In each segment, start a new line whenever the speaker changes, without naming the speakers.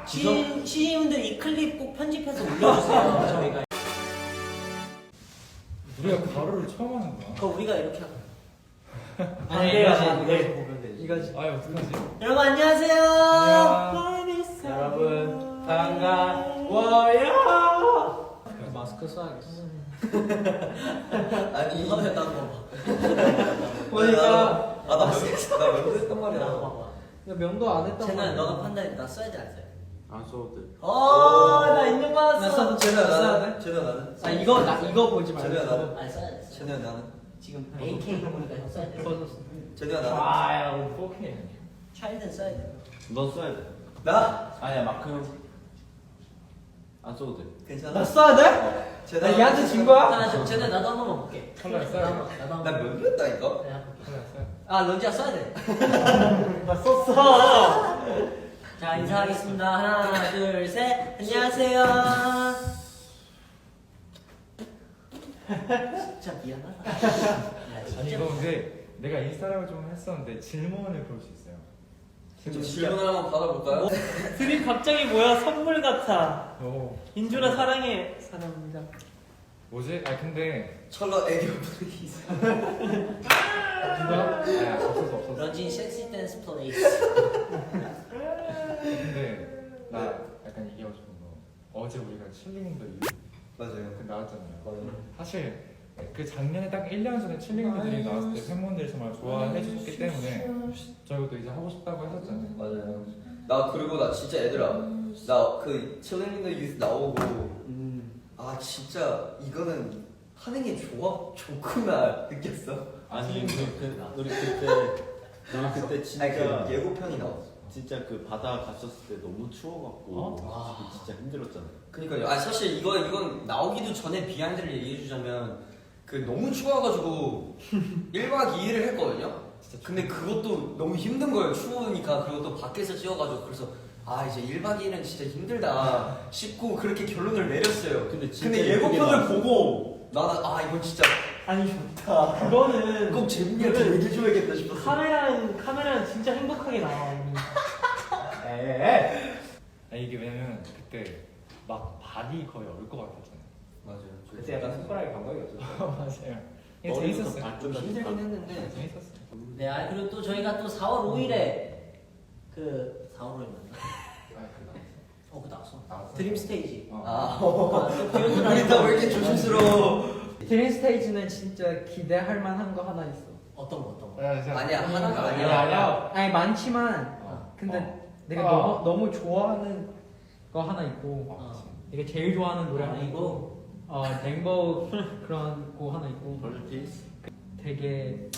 시인분들 이 클립 꼭 편집해서 올려주세요. 저희가.
우리가 가로를 처음 하는 거야.
그거 우리가 이렇게 하고.
아니 이거지 보면 되지.
이거지. 아 어떡하지?
여러분 안녕하세요.
여러분 반가워요.
마스크 써야겠어.
아니
이거 했다 거
보니까
나 면도 했단 말이야.
봐봐.
명도 안 했단
쟤는 너가 판단해. 나 써야 돼 안 써야 돼?
안 써도 돼.
나 인정
나
받았어.
써도
쟤네야
써야
나는. 쟤네야 나는.
아 이거 보지 말고.
쟤네야 나는.
아니 써야 돼.
쟤네야 나는.
지금 AK 보니까 형 써야 돼.
쟤네야 나는.
아야 오케이.
차일드는 써야 돼.
넌 써야 돼.
나?
아니야 마크 형. 안 써도 돼.
괜찮아.
나 써야 돼?
쟤네.
나 얘한테 진 거야?
자 지금 쟤네 나도 한 번만 볼게.
컬러 써야 돼.
나도 한
나
번.
면도 했다니까.
내가 볼게.
컬러 써야 돼.
아 런지야 써야 돼.
나 썼어.
자 인사하겠습니다. 하나 둘 셋. 안녕하세요. 진짜 미안하다. 야,
아니
진짜.
이거 근데 내가 인스타라고 좀 했었는데 질문을 볼 수 있어요.
좀 질문 한번 받아볼까요?
드림 갑자기 뭐야 선물 같아.
오
인준아 사랑해. 사랑합니다.
뭐지? 아 근데
철러 애교 플레이스.
누가? 아야 없었어.
런쥔 섹시 댄스 플레이스.
근데 나 약간 얘기하고 싶은 거 어제 우리가 칠링인더
맞아요.
나왔잖아요.
맞아요.
사실 그 작년에 딱 1년 전에 칠링들이 나왔을 때 팬분들이 정말 좋아해 주셨기 때문에 저희도 이제 하고 싶다고 했었잖아요.
맞아요. 나 그리고 나 진짜 얘들아. 나 그 칠링 더 유스 나오고 아 진짜 이거는 하는 게 좋구나 느꼈어.
아니 우리 그때 진짜
아니 그 예고편이 나왔어.
진짜 그 바다 갔었을 때 너무 추워갖고 진짜 힘들었잖아.
그니까요. 아 사실 이건 나오기도 전에 비하인드를 얘기해주자면 그 너무 추워가지고 1박 2일을 했거든요. 근데 그것도 너무 힘든 거예요. 추우니까 그것도 밖에서 찍어가지고 그래서 아 이제 1박 2일은 진짜 힘들다 싶고 그렇게 결론을 내렸어요.
근데 진짜
근데 예고편을 보고 나는 아 이건 진짜
아니 좋다. 그거는
꼭 재민이한테 얘기해줘야겠다 싶었어.
카메라는 진짜 행복하게 나와.
아 이게 왜냐면 그때 막 발이 거의 얼 것 같았잖아요.
맞아요.
그때 약간 손가락에 감각이 없었어.
맞아요. 이게 재밌었어요.
힘들긴
했는데
재밌었어요.
네, 아 그리고 또 저희가 또 4월 5일에 그 4월 5일 맞나? 그 나왔어. 드림 스테이지.
아
우리
다 왜 이렇게 조심스러워?
드림 스테이지는 진짜 기대할 만한 거 하나 있어.
어떤 거?
아니야 하나가
아니야.
아니야.
아니 많지만 근데 내가 너무 좋아하는 거 하나 있고 내가 제일 좋아하는 노래 하나 있고 랭보 그런 거 하나 있고 되게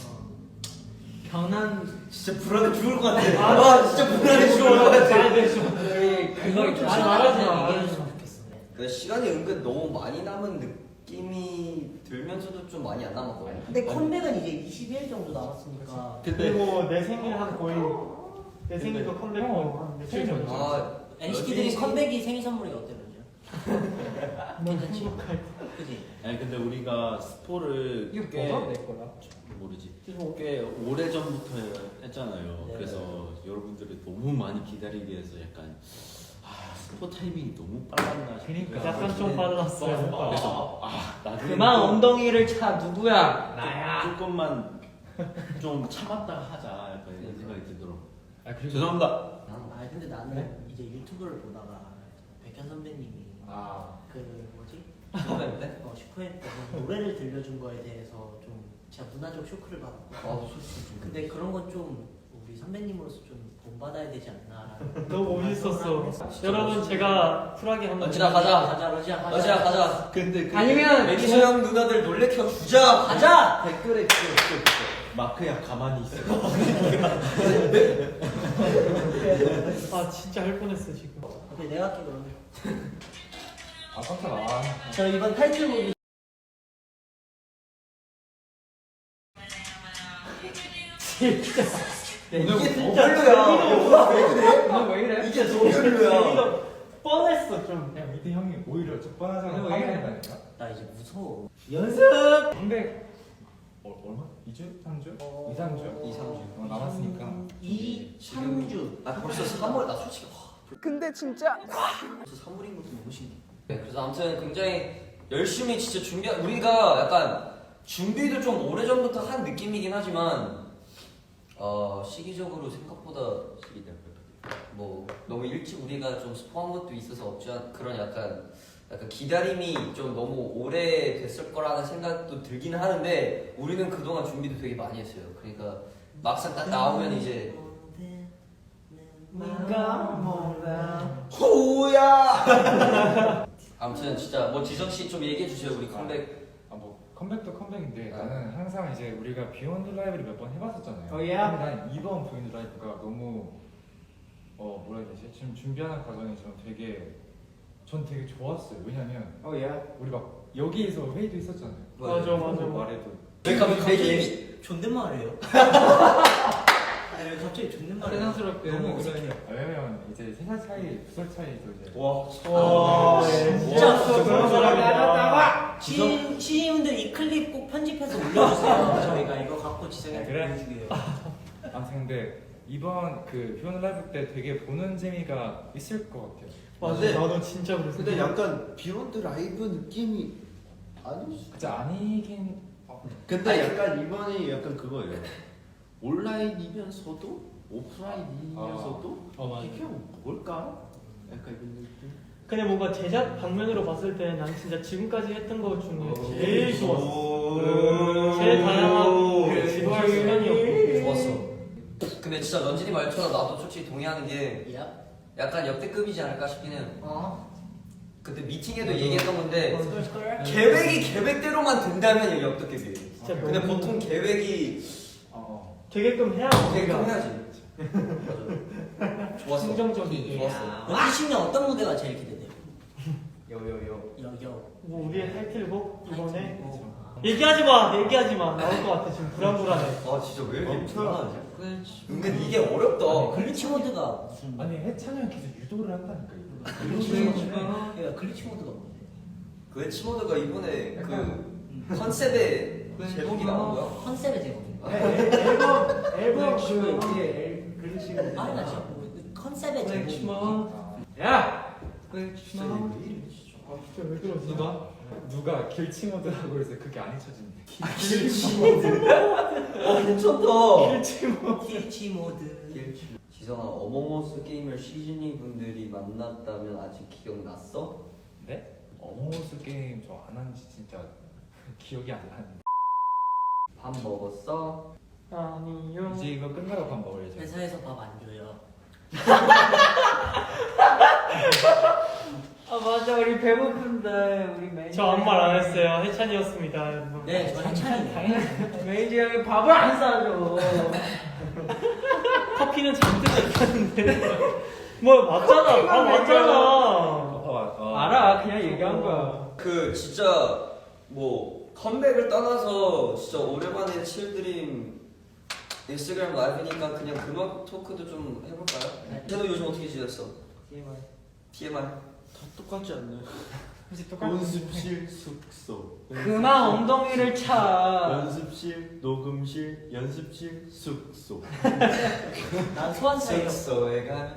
변한
진짜 불안해 죽을 것 같아. 아 진짜 불안해 죽을 것 같아.
그걸 좀
아니, 말하지 마.
얘기해줬으면 좋겠어. 네.
근데 시간이 은근 너무 많이 남은 느낌이 들면서도 좀 많이 안 남았거든요.
근데 컴백은 이제 20일 정도 남았으니까.
그리고 내 생일 한 거의 내 생일도 컴백하고 한 며칠 전이지.
아
NCT들이 컴백이 생일 선물이 어때 런쥔? 괜찮지? 그지?
아니 근데 우리가 스포를
이거
꽤
뭐가 내 거야?
모르지. 꽤 오래 전부터 했잖아요.
네.
그래서 여러분들이 너무 많이 기다리게 해서 약간 스포 타이밍이 너무 빨랐나 싶어요.
그러니까.
약간 좀 빨랐어요.
그래서 나중에
그만 엉덩이를 차 누구야? 나야.
조금만 좀 참았다 하자 약간 이런 생각이 들더라고.
아 그리고
죄송합니다.
아 근데 나는 이제 유튜브를 보다가 백현 선배님이 그 뭐지?
슈퍼맨
슈퍼맨 때 노래를 들려준 거에 대해서 좀 제가 문화적 쇼크를 받았고 근데 그런 건 좀 우리 선배님으로서 좀 본받아야 되지 않나
너무 멋있었어. 여러분 제가 쿨하게 한번.
런쥔아 가자.
런쥔아 가자
러지아 가자.
근데
아니면
매니저 형 누나들 놀래켜 주자.
가자!
댓글에 마크야 가만히 있어.
아 진짜 할 뻔했어 지금.
오케이 내가 할게 그러면
아 깜짝아.
저 이번 타이틀곡이
진짜.
이게 더 별로야. 왜 그래?
오늘 왜 이래?
이게 더 별로야.
재미가 뻔했어 좀.
야 미드 형이 오히려 적반하장을
왜 이래?
하겠다니까.
나 이제 무서워
연습.
근데 얼마? 2주? 3주? 2, 3주?
2, 3주.
남았으니까.
2, 3주
아 벌써 3월 나 솔직히
근데 진짜
선물인 것도 너무 신기해.
네, 그래서 아무튼 굉장히 열심히 진짜 우리가 약간 준비도 좀 오래전부터 한 느낌이긴 하지만 시기적으로 생각보다 뭐 너무 일찍 우리가 좀 스포한 것도 있어서 없지 않 그런 약간 기다림이 좀 너무 오래 됐을 거라는 생각도 들기는 하는데 우리는 그동안 준비도 되게 많이 했어요. 그러니까 막상 딱 나오면 이제 호야. 아무튼 진짜 뭐 지성 씨 좀 얘기해 주세요. 우리 컴백.
뭐 컴백도 컴백인데 나는 항상 이제 우리가 비욘드 라이브를 몇 번 해봤었잖아요.
Oh, yeah?
근데 난 이번 비욘드 라이브가 너무 뭐라 해야 되지? 지금 준비하는 과정이 전 되게 좋았어요. 왜냐면 우리 막 여기에서 회의도 있었잖아요.
맞아.
말해도
왜 갑자기
존댓말이에요? 아니 왜 갑자기 존댓말을
세상스럽게
너무
그래.
어색해요.
왜냐면 이제 3살 차이, 2살 차이도 이제
와,
진짜
그런 사람이다.
시인분들 이 클립 꼭 편집해서 올려주세요. 저희가 이거 갖고 지성이한테
그래?
보여주게요.
아무튼 근데 이번 그 비욘드 라이브 때 되게 보는 재미가 있을 것 같아요.
맞아,
근데-
나도 진짜 그랬어.
근데 약간 비욘드 라이브 느낌이 아니.
진짜 아니긴.
근데 약간 이번이 약간 그거예요. 온라인이면서도 오프라인이면서도
맞아.
이게 뭘까? 약간 이런 느낌.
그냥 뭔가 제작 방면으로 봤을 때 난 진짜 지금까지 했던 것 중에 제일 좋았어. 제일 다양하고 지도할 시간이었고.
좋았어. 근데 진짜 런쥔이 말처럼 나도 솔직히 동의하는 게
야.
약간 역대급이지 않을까 싶긴 해요. 그때 미팅에도
맞아.
얘기했던 건데
스컬.
계획이 계획대로만 된다면 역대급이에요.
진짜
근데
너무
보통 계획이
되게끔 해야
계획대로 해야지. 맞아. 좋았어.
긍정적이게.
좋았어.
2010년 어떤 무대가 제일 기대돼요?
요요요.
여여.
뭐 우리의 타이틀곡 이번에
아.
얘기하지 마. 나올 것 같아. 지금 불안불안해.
아 진짜 왜 이렇게
엄청-
불안하지? 은근 이게 어렵다.
글리치 모드가 무슨?
아니 해찬이 형 계속 유도를 한다니까 이거.
글리치 모드가. 글리치 모드가 뭔데?
그 치모드가 이번에 그 컨셉의 제목이 나온 거야?
컨셉의 제목인가?
앨범 그 위에 글리치.
아니 나 진짜 컨셉의 제목.
야.
진짜 왜 그러지?
누가 길치 모드라고 그래서 그게 안 잊혀진대.
괜찮다.
길치 모드.
지성아, 어몽어스 게임을 시즈니 분들이 만났다면 아직 기억났어?
네? 어몽어스 게임 저 안 한 지 진짜 기억이 안 나는데.
밥 먹었어?
아니요.
이제 이거 끝나고 밥 먹어야죠.
회사에서 밥 안 줘요.
맞아 우리 배고픈데 우리 매니저.
저 아무 말 안 했어요. 해찬이었습니다, 여러분.
네, 저 해찬이에요.
매니저 형이 밥을 안 싸줘.
커피는 잔뜩 마셨는데. 뭐 맞잖아. 맞잖아.
알아 그냥 얘기한 거야.
그 진짜 뭐 컴백을 떠나서 진짜 오랜만에 칠드림 인스타그램 라이브니까 그냥 음악 토크도 좀 해볼까요? 쟤도 요즘 어떻게 지냈어? TMI.
다 똑같지 않나요?
똑같아.
연습실, 숙소.
그만 엉덩이를 차.
연습실, 녹음실, 연습실, 숙소.
난 소환사예요.
숙소에 가.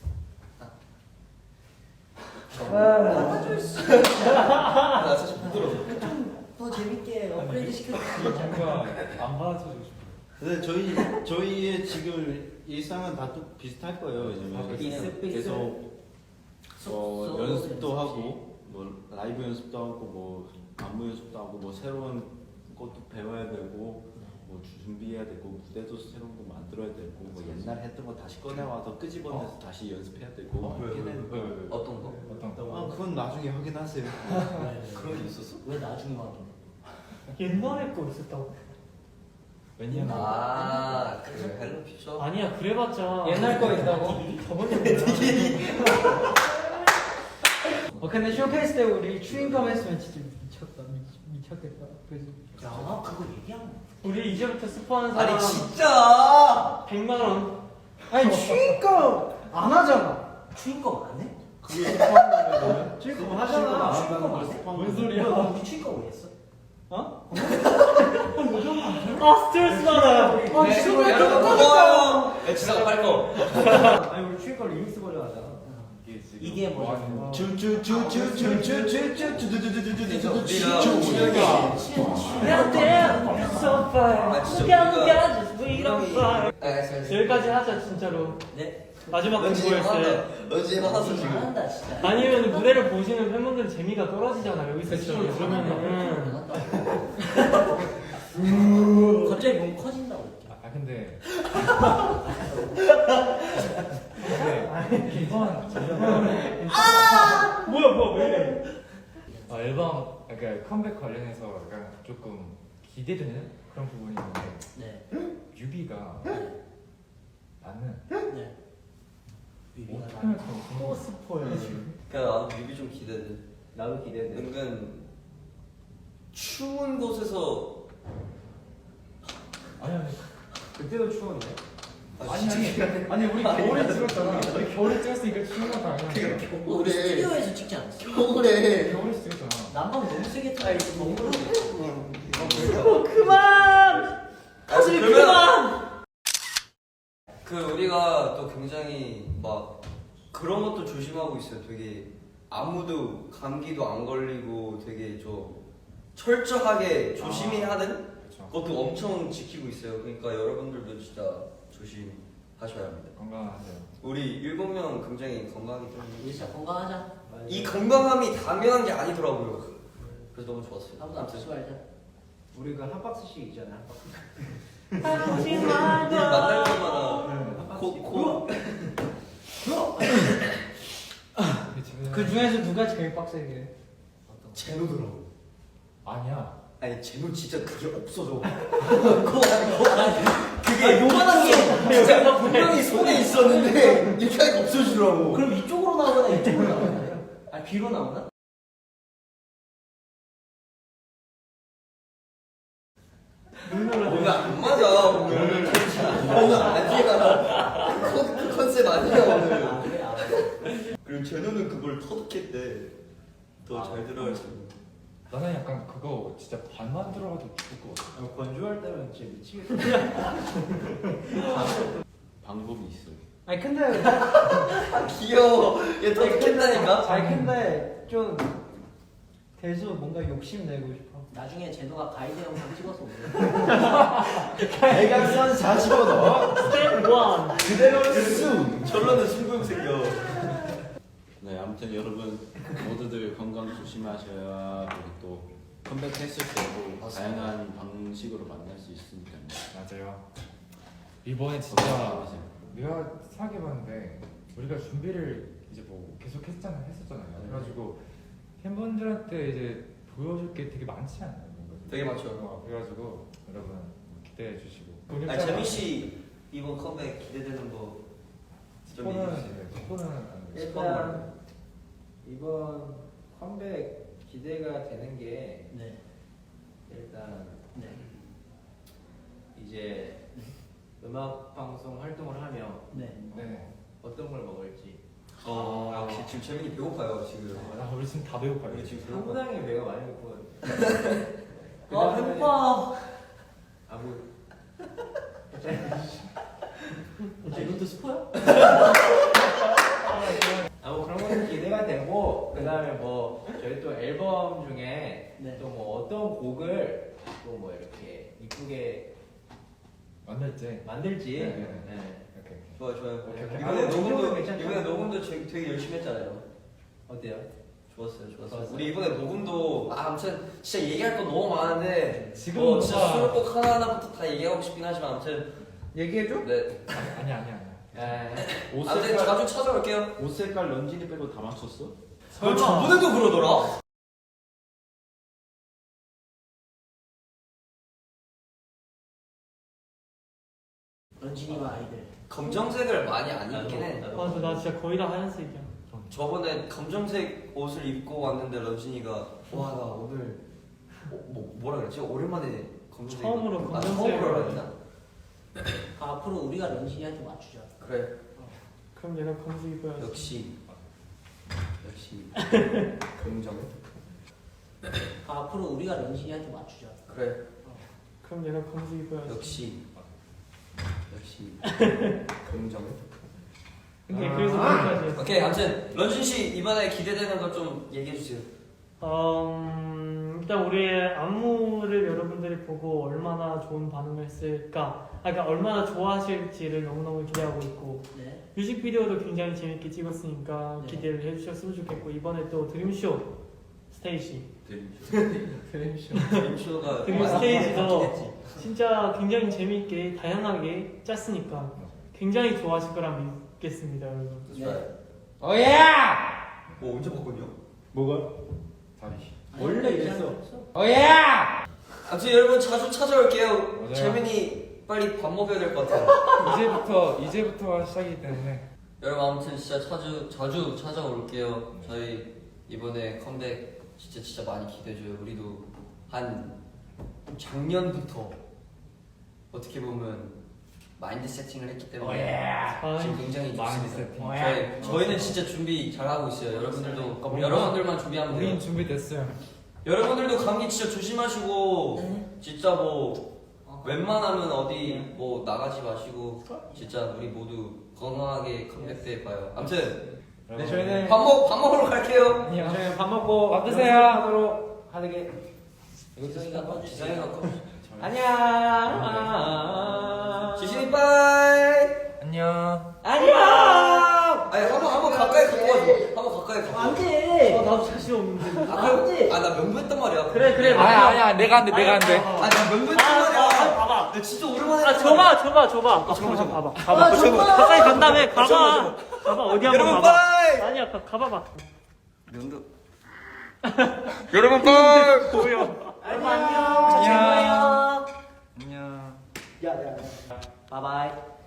받아줄 수 있어.
나 사실 부끄러워.
더 재밌게 업그레이드 시켜주세요.
뭔가 안 받아주고 싶어.
근데 저희의 지금 일상은 다 또 비슷할 거예요. 왜냐면
비슷비슷.
계속
숙소
연습도
연습실.
하고 뭐 라이브 연습도 하고 뭐 안무 연습도 하고 뭐 새로운 것도 배워야 되고 뭐 준비해야 되고 무대도 새로운 거 만들어야 되고 뭐 옛날 했던 거 다시 꺼내 와서 끄집어내서 다시 연습해야 되고 이렇게 되는 거.
어떤 거?
어떤 거?
아 그건 나중에 확인하세요.
그런 게 있었어?
왜 나중에 와도?
옛날에 거 있었다고.
왜냐면
아, 그 헬로 퓨처?
아니야, 그래봤자.
옛날 거 있다고?
저번에 뭐야?
근데 쇼케이스 때 우리 추인검 했으면 진짜 미쳤겠다. 그래서
야, 그거 얘기한 거.
우리 이제부터 스포하는 사람
아니 진짜!
100만 원.
아니 추인검 안 하잖아.
추인검 안 해?
그게 스포하는 거예요?
추인검 하잖아.
추인검 안 해?
뭔
소리야?
우리 추인검 왜 했어?
아, 스트레스 받아.
네,
고마워요! 야, 지성아 빨리 거.
아니 우리 추인검 리믹스 버전 하잖아.
이게
뭐 하는
뭐야?
여기까지 하자 진짜로.
네.
마지막 공부였어요.
런쥔이 화났어 지금.
잘한다 진짜.
아니면 무대를 보시는 팬분들 재미가 떨어지잖아 여기서 진짜 그러면은.
갑자기 몸 커진다고 이렇게.
아 근데 근데 이번
뭐야 왜 이래?
앨범 그러니까 컴백 관련해서 약간 조금 기대되는 그런 부분이 있는데
네.
뮤비가 나는
네. 뮤비가
어떻게 할까
또 스포야.
그냥 나도 뮤비 좀 기대돼.
나도 기대돼.
은근 추운 곳에서
아니
그때도 추웠네.
아니 우리 겨울에 찍었잖아. 우리 겨울에 찍었으니까 추운 건 당연하지.
우리 스튜디오에서 찍지 않았어?
겨울에
겨울에 찍었잖아.
난방 너무 세게 틀어. 너무
그만. 사실 그만.
그 우리가 또 굉장히 막 그런 것도 조심하고 있어요. 되게 아무도 감기도 안 걸리고 되게 좀 철저하게 조심히 하는
그렇죠.
것도 엄청 지키고 있어요. 그러니까 여러분들도 진짜 조심하셔야 합니다.
건강하세요.
우리 7명 굉장히 건강하기
우리
때문에
진짜 건강하자.
이 건강함이 당연한 게 아니더라고요. 그래서 너무 좋았어요.
아무도 아프지 말자.
우리 그 한 박스씩 있잖아. 한 박스.
하지
우리
말고.
만날 때마다 코
그 중에서 누가 제일 빡세게?
제노더라고.
아니야.
아니 제노 진짜 그게 없어져.
그게 요만한 게
진짜 분명히 손에 있었는데 이렇게 하니까 없어지더라고.
그럼 이쪽으로 나오거나 이쪽으로 나오나? 아 뒤로 나오나?
오늘 안 맞아 오늘. 오늘 아니야. 그 컨셉 아니야 오늘.
아 그래 아.
그리고 제노는 그걸 터득했대. 더 잘 들어야지.
나는 약간 그거 진짜 반만 들어가도 죽을 것 같아.
건조할 때는 진짜 미치겠다. 방법이 있어.
아니 근데
귀여워. 얘 터득했다니까.
아니 근데 좀 계속 뭔가 욕심 내고 싶어.
나중에 제노가 가이드 영상 찍어서 올려.
대각선 40원 넣어.
스텝 1.
그대로 수.
결론은 승부욕 생겨.
네, 아무튼 여러분 모두들 건강 조심하셔야 그리고 또 컴백했을 때도
맞습니다.
다양한 방식으로 만날 수 있으니까요.
맞아요. 이번에 진짜 내가 생각해봤는데 우리가 준비를 이제 뭐 계속 했었잖아요. 그래가지고 팬분들한테 이제 보여줄 게 되게 많지 않나요?
되게 많죠.
그래가지고 여러분 기대해 주시고.
아니 재민 씨 이번 컴백 기대되는 거 좀 얘기해 주세요.
스포는
일단 이번 컴백 기대가 되는 게
네.
일단
네.
이제 음악 방송 활동을 하며
네.
네.
어떤 걸 먹을지
역시 지금 재민이 배고파요 지금.
우리 지금 다 배고파요.
우리 지금 배고파.
상당히 배가 많이 고프거든요.
아 배고파.
아무
아 이것도 스포야?
아무 그런 것도 기대가 되고 그 다음에 뭐 저희 또 앨범 중에
네.
또 뭐 어떤 곡을 또 뭐 이렇게 이쁘게
만날지.
만들지.
네.
네.
이렇게.
좋아요.
오케이, 오케이.
이번에
아,
녹음도
괜찮죠?
이번에 녹음도 되게 열심히 했잖아요.
어때요?
좋았어요.
좋았어요.
우리 이번에 녹음도 아무튼 진짜 얘기할 거 너무 많은데
지금
진짜
뭔가-
수록곡 하나하나부터 다 얘기하고 싶긴 하지만 아무튼
얘기해줘?
네
아니야.
옷
아무튼
색깔
자주 찾아올게요.
옷 색깔 런쥔이 빼고 다 맞췄어?
너 저번에도 그러더라?
런쥔이와 아이들.
검정색을 많이 안 입긴 해.
맞아 나 진짜 거의 다 하얀색이야.
저번에 검정색 옷을 입고 왔는데 런쥔이가 와 나 오늘 뭐라 그랬지? 오랜만에 검정색
처음으로
입고-
검정색을
처음으로 했나?
아, 앞으로 우리가 런쥔이한테 맞추자.
그래
그럼 얘가 검색 입어야지.
역시 긍정
아, 앞으로 우리가 런쥔이한테 맞추자.
그래
그럼 얘가 검색 입어야지.
역시 긍정
근데 그래서 거기까지 했어요.
오케이, 아무튼 런쥔 씨 이번에 기대되는 거 좀 얘기해 주세요.
일단 우리의 안무를 여러분들이 보고 얼마나 좋은 반응을 했을까, 그러니까 얼마나 좋아하실지를 너무너무 기대하고 있고,
네.
뮤직비디오도 굉장히 재밌게 찍었으니까
네.
기대를 해주셨으면 좋겠고, 이번에 또 드림쇼 스테이지,
드림쇼가
드림
많이
스테이지도
바뀌겠지.
진짜 굉장히 재밌게 다양하게 짰으니까 굉장히 좋아하실 거라 믿겠습니다, 여러분.
네.
오야!
뭐 언제 바꿨냐?
뭐가?
다리.
원래 이랬어.
어.
오야!
아무튼 여러분 자주 찾아올게요.
맞아요.
재민이 빨리 밥 먹여야 될 것 같아요.
이제부터가 시작이기 때문에
여러분 아무튼 진짜 자주 찾아올게요. 저희 이번에 컴백 진짜 많이 기대줘요. 우리도 한 작년부터 어떻게 보면 마인드 세팅을 했기 때문에
아,
지금 굉장히
마인드
좋습니다.
세팅.
저희는 진짜 준비 잘 하고 있어요. 여러분들도 여러분들만 준비하면 돼요.
우린 준비됐어요.
여러분들도 감기 진짜 조심하시고
네.
진짜 뭐 웬만하면 어디 뭐 나가지 마시고 진짜 우리 모두 건강하게 컴백 때 봐요. 아무튼
네, 저희는
밥 먹으러 갈게요.
안녕. 저희는 밥 먹고
밥 드세요.
하도록 하게.
지성이가 꺼주세요.
지상이가 꺼.
안녕.
지신이 빠이.
안녕.
안녕.
아니 한번 가까이 갖고 와줘. 한번 가까이 갖고 와줘.
안돼.
나도 자신 없는데.
아나 명부했단 말이야.
그래.
아니야 내가 안 돼.
아나 명부했단 말이야.
봐봐.
나 진짜 오랜만에.
아, 줘봐. 봐봐. 가까이 간 다음에 가봐. 어디 한번
여러분
가봐.
빠이.
아니야, 가봐봐.
명도. 여러분 빠이.
보여.
안녕. 저 최고예요.
안녕.
야야. 바이바이.